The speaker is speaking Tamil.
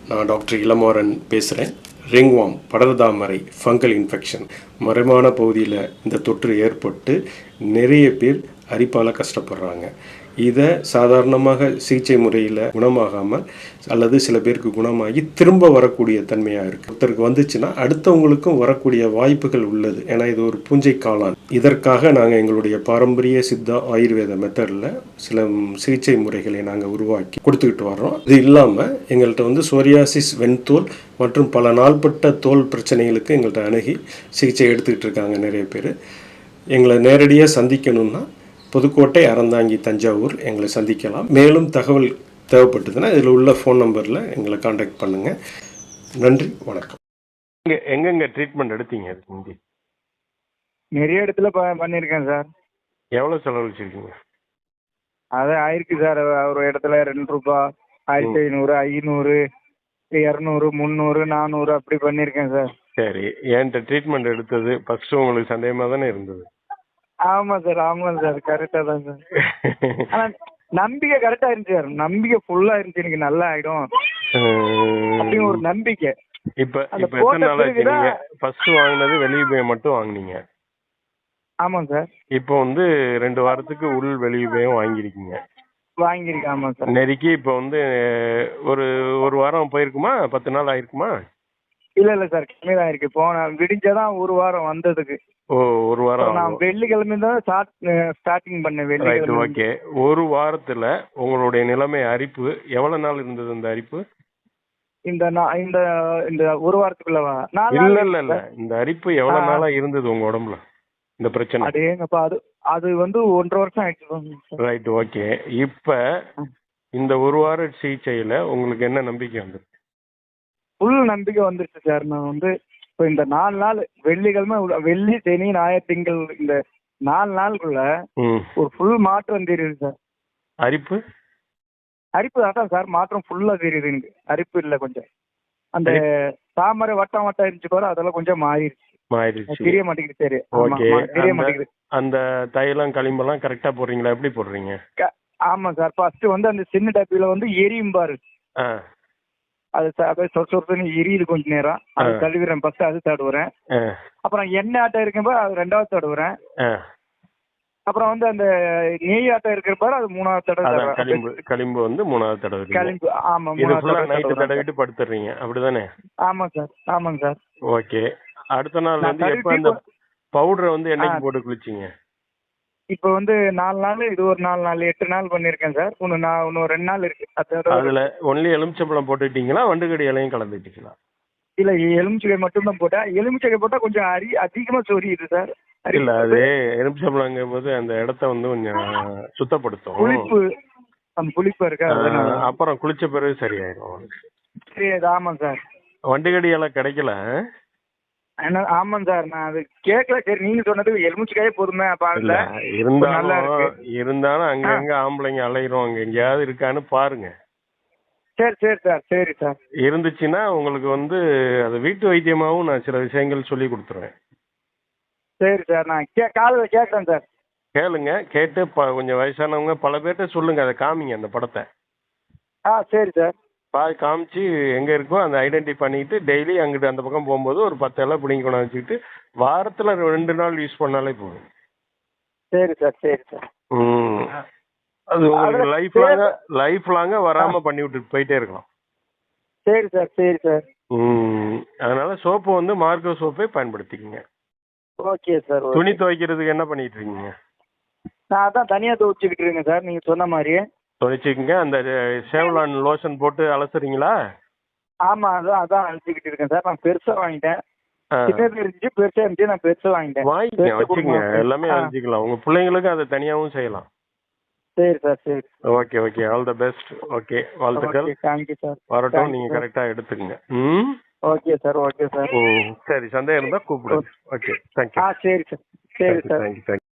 நான் டாக்டர் இளமாறன் பேசுகிறேன். ரிங்வார்ம், படர்தாமரை, ஃபங்கல் இன்ஃபெக்ஷன், மறைமான பகுதியில் இந்த தொற்று ஏற்பட்டு நிறைய பேர் அரிப்பால் கஷ்டப்படுறாங்க. இதை சாதாரணமாக சிகிச்சை முறையில் குணமாகாமல் அல்லது சில பேருக்கு குணமாகி திரும்ப வரக்கூடிய தன்மையாக இருக்குது. ஒருத்தருக்கு வந்துச்சுன்னா அடுத்தவங்களுக்கும் வரக்கூடிய வாய்ப்புகள் உள்ளது. ஏன்னா இது ஒரு பூஞ்சை காளான். இதற்காக நாங்கள் எங்களுடைய பாரம்பரிய சித்தா ஆயுர்வேத மெத்தடில் சில சிகிச்சை முறைகளை நாங்கள் உருவாக்கி கொடுத்துக்கிட்டு வர்றோம். இது இல்லாமல் எங்கள்கிட்ட சோரியாசிஸ், வெண்தோல் மற்றும் பல நாள்பட்ட தோல் பிரச்சனைகளுக்கு எங்கள்கிட்ட அணுகி சிகிச்சை எடுத்துக்கிட்டு இருக்காங்க நிறைய பேர். எங்களை நேரடியாக சந்திக்கணும்னா புதுக்கோட்டை, அறந்தாங்கி, தஞ்சாவூர் எங்களை சந்திக்கலாம். மேலும் தகவல் தேவைப்பட்டதுன்னா இதில் உள்ள ஃபோன் நம்பரில் எங்களை காண்டாக்ட் பண்ணுங்கள். நன்றி, வணக்கம். எங்கெங்க ட்ரீட்மெண்ட் எடுத்தீங்க? முந்தி நிறைய இடத்துல பண்ணியிருக்கேன் சார். எவ்வளோ செலவழிச்சிருக்கீங்க? அது ஆயிருக்கு சார். ஒரு இடத்துல 2 ரூபா, 1500, 500, 200, 300, 400 அப்படி பண்ணியிருக்கேன் சார். சரி, என்கிட்ட ட்ரீட்மெண்ட் எடுத்தது ஃபர்ஸ்ட் உங்களுக்கு சந்தேகமாக தானே இருந்தது? ஆமாம் சார், கரெக்டாக தான் சார். ஆனால் நம்பிக்கை கரெக்டாக இருந்துச்சு சார். நம்பிக்கை ஃபுல்லாக இருந்துச்சு, எனக்கு நல்லா ஆகிடும் அப்படின்னு ஒரு நம்பிக்கை. இப்போ எத்தனை நாள் ஆச்சு நீங்க ஃபர்ஸ்ட் வாங்கினது? வெளியே மட்டும் வாங்கினீங்க? ஆமாம் சார். இப்போ 2 வாரத்துக்கு உள் வெளியுபயம் வாங்கியிருக்கீங்க? வாங்கியிருக்கேன். ஆமாம் சார். நெருக்கி இப்போ ஒரு வாரம் போயிருக்குமா? 10 நாள் ஆயிருக்குமா? இல்லை சார், கம்மி தான் இருக்கு. விடிஞ்சாதான் ஒரு வாரம் வந்ததுக்கு. ஓ, ஒரு வாரம். நான் வெள்ளிக்கிழமை தான் ஸ்டார்டிங் பண்ணேன். வெள்ளிக்கிழமை. ஓகே. ஒரு வாரத்துல உங்களுடைய நிலைமை, அரிப்பு எவ்வளவு நாள் இருந்தது? இந்த அரிப்பு இந்த ஒரு வாரத்துக்குள்ளவா? இல்ல, இந்த அரிப்பு எவ்வளவு நாளா இருந்தது உங்க உடம்புல, இந்த பிரச்சனை? அதேங்கப்பா, அது 1.5 வருஷம் ஆயிடுச்சு. Right, okay. இப்ப இந்த ஒரு வார சிகிச்சையில உங்களுக்கு என்ன நம்பிக்கை வந்து? ஃபுல் நம்பிக்கை வந்துருச்சு சார். நான் இப்போ இந்த 4 நாள், வெள்ளிக்கிழமை, வெள்ளி, சனி, ஞாயிறு, திங்கள், இந்த 4 நாளுக்குள்ள ஒரு ஃபுல் மாற்றம் தெரியுது சார். அரிப்பு அதான் சார், மாற்றம் ஃபுல்லா தெரியுது எனக்கு. அரிப்பு இல்லை, கொஞ்சம் அந்த தாமரை வட்டம் இருந்துச்சு பாரு, அதெல்லாம் கொஞ்சம் மாறிடுச்சு. தெரிய மாட்டேங்குது. சரி, தெரிய மாட்டேங்குது. அந்த தைலம், களிம்பெல்லாம் கரெக்டா போடுறீங்களா? எப்படி போடுறீங்க? ஆமா சார். ஃபர்ஸ்ட் அந்த சின்ன டப்பில எரியும் பாரு, அது சொற்சொன்னு எரியுது கொஞ்ச நேரம். அது கழுவிறேன். ஃபர்ஸ்ட் அது தடுவுறேன். அப்புறம் எண்ணெய் ஆட்டம் இருக்கப்ப அது 2வது தடுவுறேன். அப்புறம் அந்த நெய் ஆட்டம் இருக்கிற அது 3வது தடவை. களிம்பு 3வது தடவை. களிம்பு, ஆமா, 3வது நைட் தடவிட்டு படுத்துறீங்க, அப்படிதானே? ஆமாங்க சார். ஓகே. அடுத்த நாள் எப்ப அந்த பவுடரை என்னைக்கு போட்டு குளிச்சீங்க? இப்போ 4 நாள், இது ஒரு 4 நாள், 8 நாள் பண்ணிருக்கேன் சார். இன்னும் 2 நாள் இருக்கு. அதுல ஒன்லி எலுமிச்சம்பழம் போட்டுட்டீங்களா? வண்டுகடி இலையும் கலந்துட்டீங்களா? இல்ல, எலுமிச்சை மட்டும் தான் போட்டேன். எலுமிச்சை போட்டா கொஞ்சம் அதிகமா சொரியுது சார். இல்ல, அது எலுமிச்சம்பழங்கும் போது அந்த இடத்த கொஞ்சம் சுத்தப்படுத்தும். புளிப்பு இருக்கா? அப்புறம் குளிச்ச பிறகு சரியாயிடும். சரி, ஆமாம் சார். வண்டுகடி இலை கிடைக்கல? ஆமாம் சார், நான் அது கேட்கல. சரி, நீங்க சொன்னது எலுமிச்சைக்காயே போதுமே. இருந்தாலும் அங்கங்க ஆம்பளைங்க அலையிறோம், அங்க எங்கேயாவது இருக்கான்னு பாருங்க. சரி சார். இருந்துச்சுன்னா உங்களுக்கு அது வீட்டு வைத்தியமாவும் நான் சில விஷயங்கள் சொல்லி கொடுத்துருவேன். சரி சார், நான் காலையில் கேட்குறேன் சார். கேளுங்க. கேட்டு கொஞ்சம் வயசானவங்க பல பேர்ட்ட சொல்லுங்க, அதை காமிங்க அந்த படத்தை. சரி சார். காமிச்சு எங்க இருக்கோ அந்த ஐடென்டி பண்ணிட்டு டெய்லி அங்கிட்டு அந்த பக்கம் போகும்போது ஒரு 10 இலை பிடிங்கி கொண்டு வச்சுக்கிட்டு வாரத்துல 2 நாள் யூஸ் பண்ணாலே போதும். சரி சார். அது உங்களுக்கு லைஃப் லாங்கா வராம பண்ணி விட்டுட்டு போயிட்டே இருக்கலாம். சரி சார். அதனால சோப்பு மார்க்கோ சோப்பே பயன்படுத்திக்கங்க. Okay sir. துணி துவைக்கிறதுக்கு என்ன பண்ணிட்டு இருக்கீங்க? நான் அதான் தனியா துவைச்சுக்கிட்டு இருக்கேன் சார், நீங்க சொன்ன மாதிரியே. துவைச்சிக்கங்க. அந்த சேவ்லான் லோஷன் போட்டு அலசுறீங்களா? ஆமா, அதான் அலசிக்கிட்டு இருக்கேன் சார். நான் பெருசா வாங்கிட்டேன். சின்னது இருந்துச்சு, பெருசா இருந்துச்சு, நான் பெருசா வாங்கிட்டேன். வச்சுக்கங்க, எல்லாமே அலசிக்கலாம். உங்க பிள்ளைங்களுக்கு அதை தனியாவும் செய்யலாம். சரி sir. Okay. All the best. Okay, வாழ்த்துக்கள். Thank you sir. வரட்டும், நீங்க கரெக்டா எடுத்துக்கங்க. Okay sir. சரி, சந்தேகம் இருந்தா கூப்பிடுங்க. Okay, thank you. சரி சார். தேங்க்யூ.